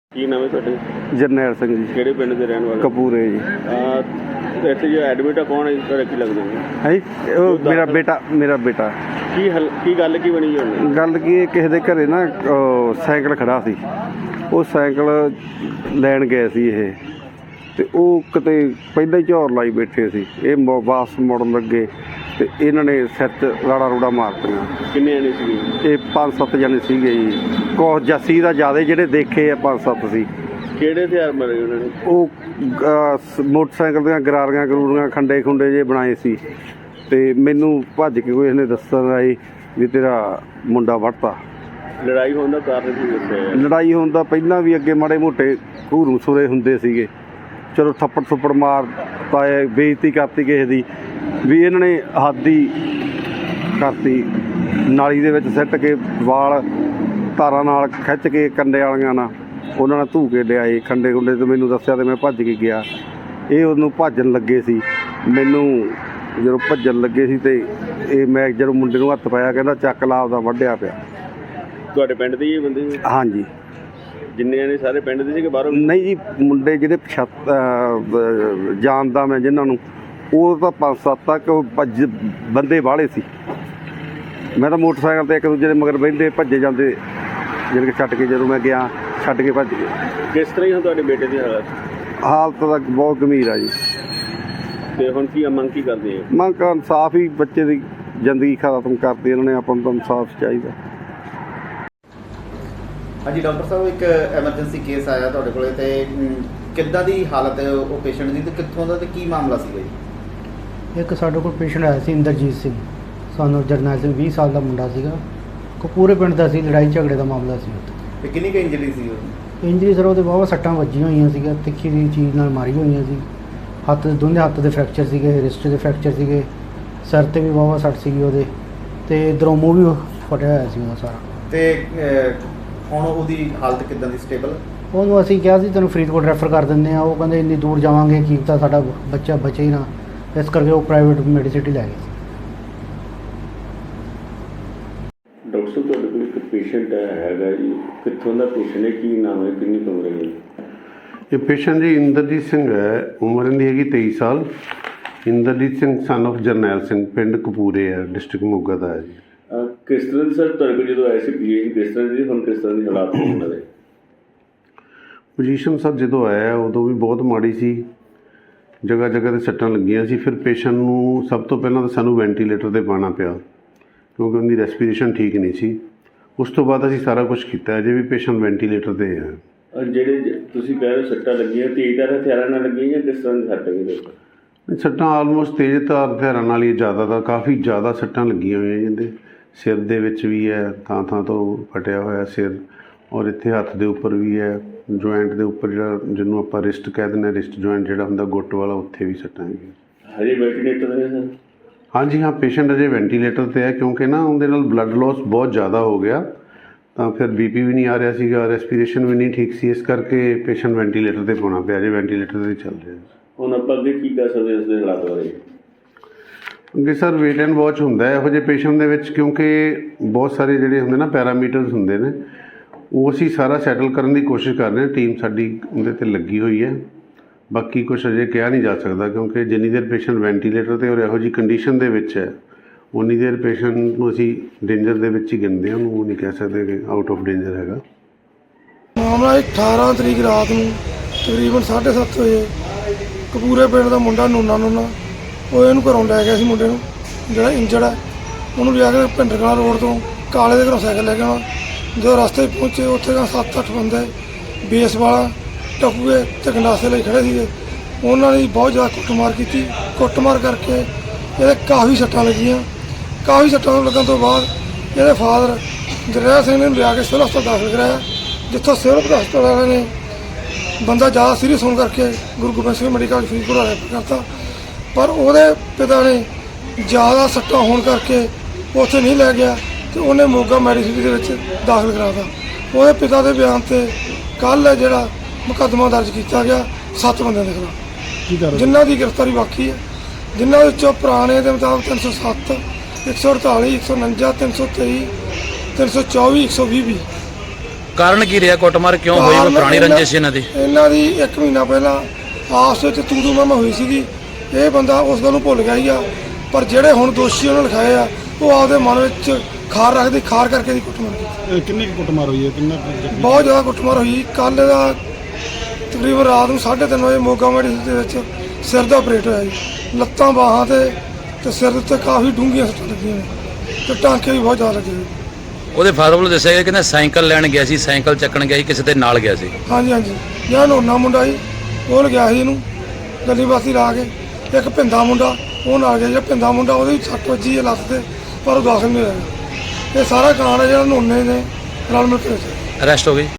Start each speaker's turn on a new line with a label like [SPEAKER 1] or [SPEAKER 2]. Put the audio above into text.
[SPEAKER 1] ਕੀ ਨਾਮ ਹੈ ਤੁਹਾਡੇ?
[SPEAKER 2] ਜਰਨੈਲ ਸਿੰਘ ਜੀ।
[SPEAKER 1] ਕਿਹੜੇ ਪਿੰਡ ਦੇ ਰਹਿਣ ਵਾਲੇ?
[SPEAKER 2] ਕਪੂਰੇ ਜੀ।
[SPEAKER 1] ਇੱਥੇ ਜੋ ਐਡਮਿਟ ਆ ਕੌਣ ਹੈ? ਤੁਹਾਡਾ ਕੀ ਲੱਗਦਾ
[SPEAKER 2] ਹੈ ਜੀ? ਉਹ ਮੇਰਾ ਬੇਟਾ।
[SPEAKER 1] ਕੀ ਗੱਲ ਕੀ ਬਣੀ ਹੁਣ?
[SPEAKER 2] ਗੱਲ ਕੀ, ਕਿਸੇ ਦੇ ਘਰੇ ਨਾ ਸਾਈਕਲ ਖੜਾ ਸੀ, ਉਹ ਸਾਈਕਲ ਲੈਣ ਗਏ ਸੀ ਇਹ, ਅਤੇ ਉਹ ਕਿਤੇ ਪਹਿਲਾਂ ਹੀ ਝੌਰ ਲਾਈ ਬੈਠੇ ਸੀ। ਇਹ ਵਾਪਸ ਮੁੜਨ ਲੱਗੇ ਅਤੇ ਇਹਨਾਂ ਨੇ ਸਿਰ 'ਚ ਰਾੜਾ ਰੂੜਾ ਮਾਰਤੀਆਂ।
[SPEAKER 1] ਕਿੰਨੇ ਜਣੇ ਸੀਗੇ?
[SPEAKER 2] ਇਹ 5-7 ਜਣੇ ਸੀਗੇ ਜੀ। ਕੁਛ ਜੱਸੀ ਦਾ ਜ਼ਿਆਦਾ, ਜਿਹੜੇ ਦੇਖੇ ਆ 5-7 ਸੀ।
[SPEAKER 1] ਕਿਹੜੇ ਹਥਿਆਰ ਮਾਰੇ ਉਹਨਾਂ ਨੇ?
[SPEAKER 2] ਉਹ ਮੋਟਰਸਾਈਕਲ ਦੀਆਂ ਗਰਾਰੀਆਂ ਖੰਡੇ ਖੁੰਡੇ ਜੇ ਬਣਾਏ ਸੀ, ਅਤੇ ਮੈਨੂੰ ਭੱਜ ਕੇ ਕੋਈ ਇਸਨੇ ਦੱਸਣ ਆਈ ਵੀ ਤੇਰਾ ਮੁੰਡਾ ਵੱਢਤਾ।
[SPEAKER 1] ਲੜਾਈ ਹੋਣ ਦਾ ਕਾਰਨ ਕੀ ਦੱਸਿਆ?
[SPEAKER 2] ਲੜਾਈ ਹੋਣ ਦਾ ਪਹਿਲਾਂ ਵੀ ਅੱਗੇ ਮਾੜੇ ਮੋਟੇ ਘੂਰੂ ਸੁਰੇ ਹੁੰਦੇ ਸੀਗੇ। ਚਲੋ ਥੱਪੜ ਥੁੱਪੜ ਮਾਰ ਪਾਏ, ਬੇਇੱਜ਼ਤੀ ਕਰਤੀ ਕਿਸੇ ਦੀ, ਵੀ ਇਹਨਾਂ ਨੇ ਹੱਦ ਹੀ ਕਰਤੀ। ਨਾਲੀ ਦੇ ਵਿੱਚ ਸਿੱਟ ਕੇ ਵਾਲ ਤਾਰਾਂ ਨਾਲ ਖਿੱਚ ਕੇ ਕੰਡੇ ਵਾਲੀਆਂ ਨਾਲ ਉਹਨਾਂ ਨਾਲ ਧੂ ਕੇ ਲਿਆਏ ਖੰਡੇ ਖੁੰਡੇ, ਅਤੇ ਮੈਨੂੰ ਦੱਸਿਆ ਅਤੇ ਮੈਂ ਭੱਜ ਕੇ ਗਿਆ। ਇਹ ਉਹਨੂੰ ਭੱਜਣ ਲੱਗੇ ਸੀ, ਮੈਨੂੰ ਜਦੋਂ ਭੱਜਣ ਲੱਗੇ ਸੀ ਅਤੇ ਇਹ ਮੈਂ ਜਦੋਂ ਮੁੰਡੇ ਨੂੰ ਹੱਥ ਪਾਇਆ, ਕਹਿੰਦਾ ਚੱਕ ਲਾ, ਆਪਦਾ ਵੱਢਿਆ ਪਿਆ।
[SPEAKER 1] ਤੁਹਾਡੇ ਪਿੰਡ ਦੇ ਹੀ ਬੰਦੇ?
[SPEAKER 2] ਹਾਂਜੀ।
[SPEAKER 1] ਜਿੰਨੇ ਜਣੇ ਸਾਰੇ ਪਿੰਡ ਦੇ ਸੀ ਕਿ ਬਾਹਰੋਂ?
[SPEAKER 2] ਨਹੀਂ ਜੀ, ਮੁੰਡੇ ਜਿਹੜੇ ਜਾਣਦਾ ਮੈਂ ਜਿਨ੍ਹਾਂ ਨੂੰ, ਉਹ ਤਾਂ 5-7 ਤੱਕ ਬੰਦੇ ਬਾਹਲੇ ਸੀ। ਮੈਂ ਤਾਂ ਮੋਟਰਸਾਈਕਲ 'ਤੇ ਇੱਕ ਦੂਜੇ ਦੇ ਮਗਰ ਬਹਿੰਦੇ ਭੱਜੇ ਜਾਂਦੇ, ਜਿਹੜੇ ਕਿ ਛੱਡ ਕੇ, ਜਦੋਂ ਮੈਂ ਗਿਆ ਛੱਡ ਕੇ ਭੱਜ ਗਏ।
[SPEAKER 1] ਕਿਸ ਤਰ੍ਹਾਂ ਹੀ ਤੁਹਾਡੇ ਬੇਟੇ ਦੀ ਹਾਲਤ?
[SPEAKER 2] ਹਾਲਤ ਤਾਂ ਬਹੁਤ ਗੰਭੀਰ ਆ ਜੀ।
[SPEAKER 1] ਅਤੇ ਹੁਣ ਕੀ ਮੰਗ ਕੀ ਕਰਦੇ ਹੋ?
[SPEAKER 2] ਮੰਗ ਇਨਸਾਫ ਹੀ, ਬੱਚੇ ਦੀ ਜ਼ਿੰਦਗੀ ਖਤਮ ਕਰਤੀ ਇਹਨਾਂ ਨੇ। ਆਪਾਂ ਨੂੰ ਤਾਂ ਇਨਸਾਫ ਚਾਹੀਦਾ।
[SPEAKER 3] ਹਾਂਜੀ ਡਾਕਟਰ ਸਾਹਿਬ, ਇੱਕ ਐਮਰਜੈਂਸੀ ਕੇਸ ਆਇਆ ਤੁਹਾਡੇ ਕੋਲ, ਤੇ ਕਿੱਦਾਂ ਦੀ ਹਾਲਤ ਹੈ ਉਹ ਪੇਸ਼ੈਂਟ ਦੀ, ਤੇ ਕਿੱਥੋਂ ਦਾ, ਤੇ ਕੀ ਮਾਮਲਾ ਸੀਗਾ ਜੀ?
[SPEAKER 4] ਇੱਕ ਸਾਡੇ ਕੋਲ ਪੇਸ਼ੈਂਟ ਆਇਆ ਸੀ ਇੰਦਰਜੀਤ ਸਿੰਘ, ਸਾਨੂੰ ਜਰਨੈਲ ਸਿੰਘ, 20 ਸਾਲ ਦਾ ਮੁੰਡਾ ਸੀਗਾ, ਕਪੂਰੇ ਪਿੰਡ ਦਾ ਸੀ। ਲੜਾਈ ਝਗੜੇ ਦਾ ਮਾਮਲਾ ਸੀ ਉੱਥੇ।
[SPEAKER 3] ਤੇ ਕਿੰਨੀ ਕੁ ਇੰਜਰੀ ਸੀ ਉਹ?
[SPEAKER 4] ਇੰਜਰੀ ਸਰ ਉਹਦੇ ਬਹੁਤ ਸੱਟਾਂ ਵੱਜੀਆਂ ਹੋਈਆਂ ਸੀਗੀਆਂ, ਤਿੱਖੀ ਦੀ ਚੀਜ਼ ਨਾਲ ਮਾਰੀ ਹੋਈਆਂ ਸੀ। ਦੋਨੇ ਹੱਥ ਦੇ ਫ੍ਰੈਕਚਰ ਸੀਗੇ, ਰਿਸਟ ਦੇ ਫ੍ਰੈਕਚਰ ਸੀਗੇ, ਸਿਰ 'ਤੇ ਵੀ ਬਹੁਤ ਸੱਟ ਸੀਗੀ ਉਹਦੇ, ਅਤੇ ਇੱਧਰੋਂ ਮੂੰਹ ਵੀ ਫਟਿਆ ਹੋਇਆ ਸੀ ਉਹਦਾ ਸਾਰਾ।
[SPEAKER 3] ਤੇ ਹੁਣ ਉਹਦੀ ਹਾਲਤ ਕਿੱਦਾਂ ਦੀ? ਸਟੇਬਲ?
[SPEAKER 4] ਉਹਨੂੰ ਅਸੀਂ ਕਿਹਾ ਸੀ ਤੈਨੂੰ ਫਰੀਦਕੋਟ ਰੈਫਰ ਕਰ ਦਿੰਦੇ ਆ, ਉਹ ਕਹਿੰਦੇ ਇੰਨੀ ਦੂਰ ਜਾਵਾਂਗੇ ਕੀ ਪਤਾ ਸਾਡਾ ਬੱਚਾ ਬਚੇ ਹੀ ਨਾ, ਇਸ ਕਰਕੇ ਉਹ ਪ੍ਰਾਈਵੇਟ ਮੈਡੀਸਿਟੀ ਲੈ ਗਏ ਸੀ।
[SPEAKER 1] ਡਾਕਟਰ ਸਾਹਿਬ, ਤੁਹਾਡੇ ਕੋਲ ਇੱਕ ਪੇਸ਼ੈਂਟ ਹੈਗਾ ਜੀ, ਕਿੱਥੋਂ ਦਾ ਪੇਸ਼ੈਂਟ ਹੈ, ਕੀ ਨਾਮ ਹੈ, ਕਿੰਨੀ ਕੁ ਉਮਰ ਹੈ ਜੀ?
[SPEAKER 5] ਇਹ ਪੇਸ਼ੈਂਟ ਜੀ ਇੰਦਰਜੀਤ ਸਿੰਘ ਹੈ, ਉਮਰ ਇਹਦੀ ਹੈਗੀ 23 ਸਾਲ। ਇੰਦਰਜੀਤ ਸਿੰਘ ਸਨ ਆਫ ਜਰਨੈਲ ਸਿੰਘ, ਪਿੰਡ ਕਪੂਰੇ ਹੈ, ਡਿਸਟ੍ਰਿਕਟ ਮੋਗਾ ਦਾ ਹੈ ਜੀ।
[SPEAKER 1] ਕਿਸ ਤਰ੍ਹਾਂ ਦੀ ਸਰ ਤੁਹਾਡੇ ਕੋਲ ਜਦੋਂ ਆਏ ਸੀ ਪੀਜੀ, ਕਿਸ ਤਰ੍ਹਾਂ ਦੀ, ਹੁਣ ਕਿਸ ਤਰ੍ਹਾਂ ਦੀ ਹਾਲਾਤ ਨੇ ਉਹਨਾਂ ਦੇ?
[SPEAKER 5] ਪੋਜੀਸ਼ਨ ਸਰ ਜਦੋਂ ਆਇਆ ਉਦੋਂ ਵੀ ਬਹੁਤ ਮਾੜੀ ਸੀ, ਜਗ੍ਹਾ ਜਗ੍ਹਾ 'ਤੇ ਸੱਟਾਂ ਲੱਗੀਆਂ ਸੀ। ਫਿਰ ਪੇਸ਼ੈਂਟ ਨੂੰ ਸਭ ਤੋਂ ਪਹਿਲਾਂ ਤਾਂ ਸਾਨੂੰ ਵੈਂਟੀਲੇਟਰ 'ਤੇ ਪਾਉਣਾ ਪਿਆ, ਕਿਉਂਕਿ ਉਹਦੀ ਰੈਸਪੀਰੇਸ਼ਨ ਠੀਕ ਨਹੀਂ ਸੀ। ਉਸ ਤੋਂ ਬਾਅਦ ਅਸੀਂ ਸਾਰਾ ਕੁਝ ਕੀਤਾ, ਅਜੇ ਵੀ ਪੇਸ਼ੈਂਟ ਵੈਂਟੀਲੇਟਰ 'ਤੇ ਹੈ।
[SPEAKER 1] ਜਿਹੜੇ ਤੁਸੀਂ ਕਹਿ ਰਹੇ ਸੱਟਾਂ ਲੱਗੀਆਂ, ਤੇਜ਼ਧਾਰ ਹਥਿਆਰਾਂ ਨਾਲ ਲੱਗੀਆਂ ਜਾਂ ਕਿਸ ਤਰ੍ਹਾਂ ਦੀ ਸੱਟ ਲੱਗੀ?
[SPEAKER 5] ਸੱਟਾਂ ਆਲਮੋਸਟ ਤੇਜ਼ਧਾਰ ਹਥਿਆਰਾਂ ਨਾਲ ਹੀ, ਜ਼ਿਆਦਾ ਤਾਂ ਕਾਫੀ ਜ਼ਿਆਦਾ ਸੱਟਾਂ ਲੱਗੀਆਂ ਹੋਈਆਂ ਜਿਹਦੇ ਸਿਰ ਦੇ ਵਿੱਚ ਵੀ ਹੈ, ਥਾਂ ਥਾਂ ਤੋਂ ਫਟਿਆ ਹੋਇਆ ਸਿਰ, ਔਰ ਇੱਥੇ ਹੱਥ ਦੇ ਉੱਪਰ ਵੀ ਹੈ, ਜੁਆਇੰਟ ਦੇ ਉੱਪਰ, ਜਿਹੜਾ ਜਿਹਨੂੰ ਆਪਾਂ ਰਿਸਟ ਕਹਿ ਦਿੰਦੇ ਹਾਂ, ਰਿਸਟ ਜੁਆਇੰਟ ਜਿਹੜਾ ਹੁੰਦਾ ਗੁੱਟ ਵਾਲਾ, ਉੱਥੇ ਵੀ ਸੱਟਾਂ ਹੈਗੀਆਂ।
[SPEAKER 1] ਹਜੇ ਵੈਂਟੀਲੇਟਰ ਨੇ ਸਰ?
[SPEAKER 5] ਹਾਂਜੀ ਹਾਂ, ਪੇਸ਼ੈਂਟ ਅਜੇ ਵੈਂਟੀਲੇਟਰ 'ਤੇ ਹੈ, ਕਿਉਂਕਿ ਨਾ ਉਹਦੇ ਨਾਲ ਬਲੱਡ ਲੋਸ ਬਹੁਤ ਜ਼ਿਆਦਾ ਹੋ ਗਿਆ, ਤਾਂ ਫਿਰ BP ਵੀ ਨਹੀਂ ਆ ਰਿਹਾ ਸੀਗਾ, ਰੈਸਪੀਰੇਸ਼ਨ ਵੀ ਨਹੀਂ ਠੀਕ ਸੀ, ਇਸ ਕਰਕੇ ਪੇਸ਼ੈਂਟ ਵੈਂਟੀਲੇਟਰ 'ਤੇ ਪਾਉਣਾ ਪਿਆ। ਅਜੇ ਵੈਂਟੀਲੇਟਰ 'ਤੇ ਚੱਲ ਰਿਹਾ।
[SPEAKER 1] ਹੁਣ ਆਪਾਂ ਅੱਗੇ ਕੀ ਕਰ ਸਕਦੇ ਇਸ ਦੇ ਹਾਲਾਤ ਬਾਰੇ?
[SPEAKER 5] ਅੱਗੇ ਸਰ ਵੇਟ ਐਂਡ ਵਾਚ ਹੁੰਦਾ ਹੈ ਇਹੋ ਜਿਹੇ ਪੇਸ਼ੈਂਟ ਦੇ ਵਿੱਚ, ਕਿਉਂਕਿ ਬਹੁਤ ਸਾਰੇ ਜਿਹੜੇ ਹੁੰਦੇ ਨਾ ਪੈਰਾਮੀਟਰਸ ਹੁੰਦੇ ਨੇ, ਉਹ ਅਸੀਂ ਸਾਰਾ ਸੈਟਲ ਕਰਨ ਦੀ ਕੋਸ਼ਿਸ਼ ਕਰ ਰਹੇ ਹਾਂ। ਟੀਮ ਸਾਡੀ ਉਹਦੇ 'ਤੇ ਲੱਗੀ ਹੋਈ ਹੈ। ਬਾਕੀ ਕੁਛ ਅਜੇ ਕਿਹਾ ਨਹੀਂ ਜਾ ਸਕਦਾ, ਕਿਉਂਕਿ ਜਿੰਨੀ ਦੇਰ ਪੇਸ਼ੈਂਟ ਵੈਂਟੀਲੇਟਰ 'ਤੇ ਔਰ ਇਹੋ ਜਿਹੀ ਕੰਡੀਸ਼ਨ ਦੇ ਵਿੱਚ ਹੈ, ਉਨੀ ਦੇਰ ਪੇਸ਼ੈਂਟ ਨੂੰ ਅਸੀਂ ਡੇਂਜਰ ਦੇ ਵਿੱਚ ਹੀ ਗਿਣਦੇ ਹਾਂ, ਉਹਨੂੰ ਨਹੀਂ ਕਹਿ ਸਕਦੇ ਕਿ ਆਊਟ ਆਫ ਡੇਂਜਰ ਹੈਗਾ।
[SPEAKER 6] ਮਾਮਲਾ 18 ਤਰੀਕ ਰਾਤ ਨੂੰ ਤਕਰੀਬਨ 7:30 ਵਜੇ ਕਪੂਰੇ ਪਿੰਡ ਦਾ ਮੁੰਡਾ ਨੂਨਾ ਉਹ ਇਹਨੂੰ ਘਰੋਂ ਲੈ ਗਿਆ ਸੀ, ਮੁੰਡੇ ਨੂੰ ਜਿਹੜਾ ਇੰਜਰਡ ਹੈ, ਉਹਨੂੰ ਲਿਆ ਕੇ ਭਿੰਡਰਕਲਾਂ ਰੋਡ ਤੋਂ ਕਾਲੇ ਦੇ ਘਰੋਂ ਸਾਈਕਲ ਲੈ ਕੇ ਆਉਣਾ। ਜਦੋਂ ਰਸਤੇ ਪਹੁੰਚੇ, ਉੱਥੇ 7-8 ਬੰਦੇ ਬੇਸ ਵਾਲਾ ਟੱਪੂਏ ਤੇ ਗੰਡਾਸੇ ਲਈ ਖੜ੍ਹੇ ਸੀਗੇ। ਉਹਨਾਂ ਨੇ ਬਹੁਤ ਜ਼ਿਆਦਾ ਕੁੱਟਮਾਰ ਕੀਤੀ। ਕੁੱਟਮਾਰ ਕਰਕੇ ਇਹਦੇ ਕਾਫੀ ਸੱਟਾਂ ਲੱਗੀਆਂ। ਕਾਫੀ ਸੱਟਾਂ ਲੱਗਣ ਤੋਂ ਬਾਅਦ ਇਹਦੇ ਫਾਦਰ ਜਰਨੈਲ ਸਿੰਘ ਨੇ ਲਿਆ ਕੇ ਸਿਵਲ ਹਸਪਤਾਲ ਦਾਖਲ ਕਰਾਇਆ, ਜਿੱਥੋਂ ਸਿਵਲ ਹਸਪਤਾਲ ਵਾਲਿਆਂ ਨੇ ਬੰਦਾ ਜ਼ਿਆਦਾ ਸੀਰੀਅਸ ਹੋਣ ਕਰਕੇ ਗੁਰੂ ਗੋਬਿੰਦ ਸਿੰਘ ਮੈਡੀਕਲ ਫਰੀਦਕੋਟ ਰੈਫਰ ਕਰਤਾ। ਪਰ ਉਹਦੇ ਪਿਤਾ ਨੇ ਜ਼ਿਆਦਾ ਸੱਟਾਂ ਹੋਣ ਕਰਕੇ ਉੱਥੇ ਨਹੀਂ ਲੈ ਗਿਆ, ਅਤੇ ਉਹਨੇ ਮੋਗਾ ਮੈਡੀਸਿਟੀ ਦੇ ਵਿੱਚ ਦਾਖਲ ਕਰਾਤਾ। ਉਹਦੇ ਪਿਤਾ ਦੇ ਬਿਆਨ 'ਤੇ ਕੱਲ੍ਹ ਜਿਹੜਾ ਮੁਕੱਦਮਾ ਦਰਜ ਕੀਤਾ ਗਿਆ 7 ਬੰਦਿਆਂ ਦੇ ਖਿਲਾਫ, ਜਿਨ੍ਹਾਂ ਦੀ ਗ੍ਰਿਫਤਾਰੀ ਬਾਕੀ ਹੈ, ਜਿਨ੍ਹਾਂ ਵਿੱਚੋਂ ਪੁਰਾਣੇ ਦੇ ਮੁਤਾਬਕ 307, 148, 149, 323, 324, 120 ਵੀ
[SPEAKER 7] ਕਾਰਨ ਕੀ ਰਿਹਾ ਕੁੱਟਮਾਰ ਕਿਉਂ ਹੋਈ? ਕੋਈ ਪੁਰਾਣੀ ਰੰਜਿਸ਼ ਇਹਨਾਂ ਦੀ?
[SPEAKER 6] ਇਹਨਾਂ ਦੀ 1 ਮਹੀਨਾ ਪਹਿਲਾਂ ਆਪਸ ਵਿੱਚ ਤੂੰ ਮੈਂ ਹੋਈ ਸੀਗੀ। ਇਹ ਬੰਦਾ ਉਸ ਗੱਲ ਨੂੰ ਭੁੱਲ ਗਿਆ ਹੀ ਆ, ਪਰ ਜਿਹੜੇ ਹੁਣ ਦੋਸ਼ੀ ਉਹਨਾਂ ਲਿਖਾਏ ਆ ਉਹ ਆਪਦੇ ਮਨ ਵਿੱਚ ਖਾਰ ਰੱਖਦੇ, ਖਾਰ ਕਰਕੇ ਦੀ ਕੁੱਟਮਾਰ ਕੀਤੀ।
[SPEAKER 2] ਕਿੰਨੀ ਕੁੱਟਮਾਰ ਹੋਈ ਹੈ?
[SPEAKER 6] ਬਹੁਤ ਜ਼ਿਆਦਾ ਕੁੱਟਮਾਰ ਹੋਈ। ਕੱਲ੍ਹ ਦਾ ਤਕਰੀਬਨ ਰਾਤ ਨੂੰ 3:30 ਵਜੇ ਮੋਗਾ ਮੈਡੀਕਲ ਦੇ ਵਿੱਚ ਸਿਰ ਦਾ ਆਪਰੇਟ ਹੋਇਆ ਜੀ। ਲੱਤਾਂ ਬਾਹਾਂ ਤੇ ਸਿਰ ਦੇ ਉੱਤੇ ਕਾਫੀ ਡੂੰਘੀਆਂ ਸੱਟਾਂ ਲੱਗੀਆਂ ਨੇ ਤੇ ਟਾਂਕੇ ਵੀ ਬਹੁਤ ਜ਼ਿਆਦਾ ਲੱਗੇ ਜੀ।
[SPEAKER 7] ਉਹਦੇ ਫਾਦਰ ਵੱਲੋਂ ਦੱਸਿਆ ਗਿਆ ਕਿ ਸਾਈਕਲ ਲੈਣ ਗਿਆ ਸੀ, ਸਾਈਕਲ ਚੱਕਣ ਗਿਆ ਸੀ, ਕਿਸੇ ਦੇ ਨਾਲ ਗਿਆ ਸੀ।
[SPEAKER 6] ਹਾਂਜੀ ਜਿਹੜਾ ਨੋਨਾ ਮੁੰਡਾ ਸੀ ਉਹ ਲਗਿਆ ਸੀ ਇਹਨੂੰ ਗੱਲੀ ਬਾਸੀ ਲਾ ਕੇ। ਇੱਕ ਭਿੰਦਾ ਮੁੰਡਾ ਉਹ ਨਾਲ ਗਿਆ। ਜਿਹੜਾ ਭਿੰਦਾ ਮੁੰਡਾ ਉਹਦੇ ਵੀ ਸੱਟ ਵੱਜੀ ਹੈ ਲੱਤ ਤੇ, ਪਰ ਉਹ ਦਾਖਲ ਨਹੀਂ ਹੋਇਆ। ਇਹ ਸਾਰਾ ਕਾਂਡ ਹੈ ਜਿਹੜਾ ਨੋਨੇ ਨੇ ਰਲ ਮਿਲ ਕੇ
[SPEAKER 7] ਅਰੈਸਟ ਹੋ ਗਈ।